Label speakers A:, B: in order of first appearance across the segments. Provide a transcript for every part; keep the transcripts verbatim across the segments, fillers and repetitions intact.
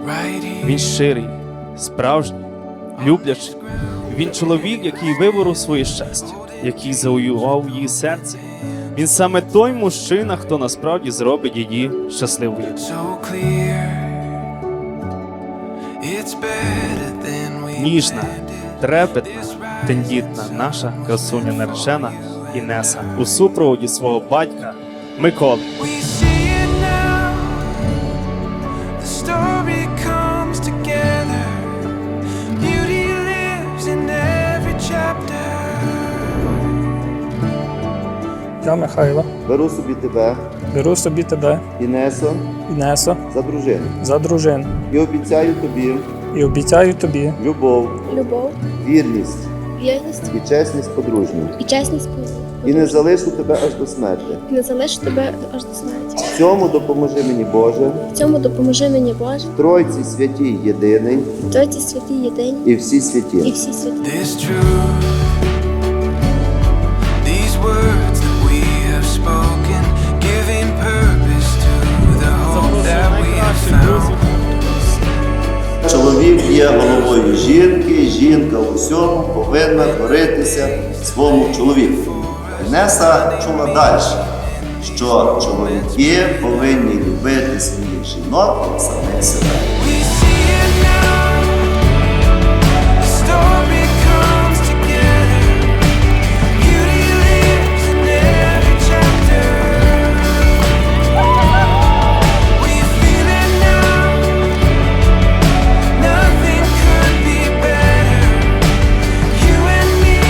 A: Він щирий, справжній, люблячий. Він чоловік, який виборов своє щастя, який завоював її серце. Він саме той мужчина, хто насправді зробить її щасливою. Ніжна, трепетна, тендітна наша красуня наречена Інеса у супроводі свого батька Миколи.
B: Я, Михайло,
C: Беру собі тебе,
B: беру собі тебе,
C: Інесо,
B: Інесо,
C: за дружину
B: за дружину
C: і обіцяю тобі
B: і обіцяю тобі
C: любов,
D: любов,
C: вірність
D: вірність
C: і чесність подружню.
D: і чесність
C: І не залишу тебе аж до смерті.
D: і не залишу тебе аж до смерті.
C: В цьому допоможи мені, Боже,
D: В цьому допоможи мені Боже,
C: Тройці святій єдиний
D: Тройці святі єдині
C: і всі
D: і
C: святі.
D: всі святі.
E: This truth, these words that we have spoken, giving purpose to the hope that we have found.
C: Чоловік є головою жінки, жінка у всьому повинна коритися своєму чоловіку. Інеса чула далі, що чоловіки повинні любити своїх жінок як самих себе.
E: We see it now, the story comes together, beauty lives in every chapter. We feel it now, nothing could be better. You and me,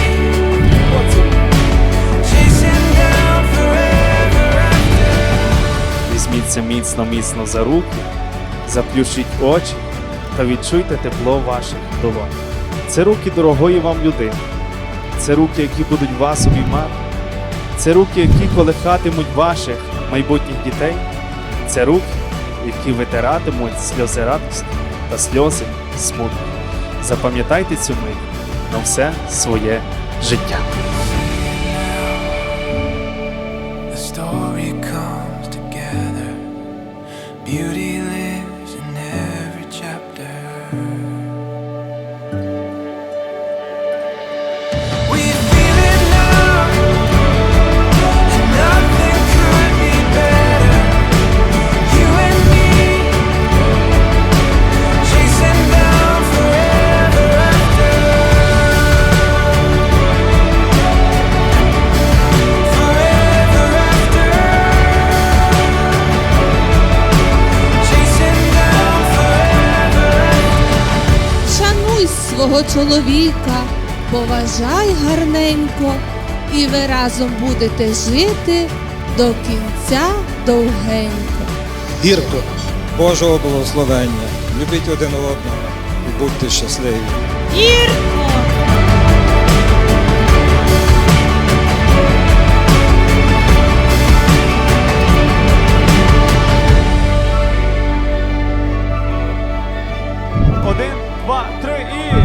E: chasing down forever after.
A: Візьміться міцно-міцно за руки, заплющіть очі та відчуйте тепло ваших долонь. Це руки дорогої вам людини. Це руки, які будуть вас обіймати. Це руки, які колихатимуть ваших майбутніх дітей. Це руки, які витиратимуть сльози радості та сльози смутку. Запам'ятайте цю мить на все своє життя.
E: The story comes together. Beauty lives in every chapter. We feel it now, and nothing could be better. You and me, chasing down forever after. Forever after. Chasing down forever after.
F: Шануй свого чоловіка, поважай гарненько, і ви разом будете жити до кінця довгенько.
G: Гірко Божого благословення. Любіть один одного і будьте щасливі.
F: Гірко!
A: Один, два, три і...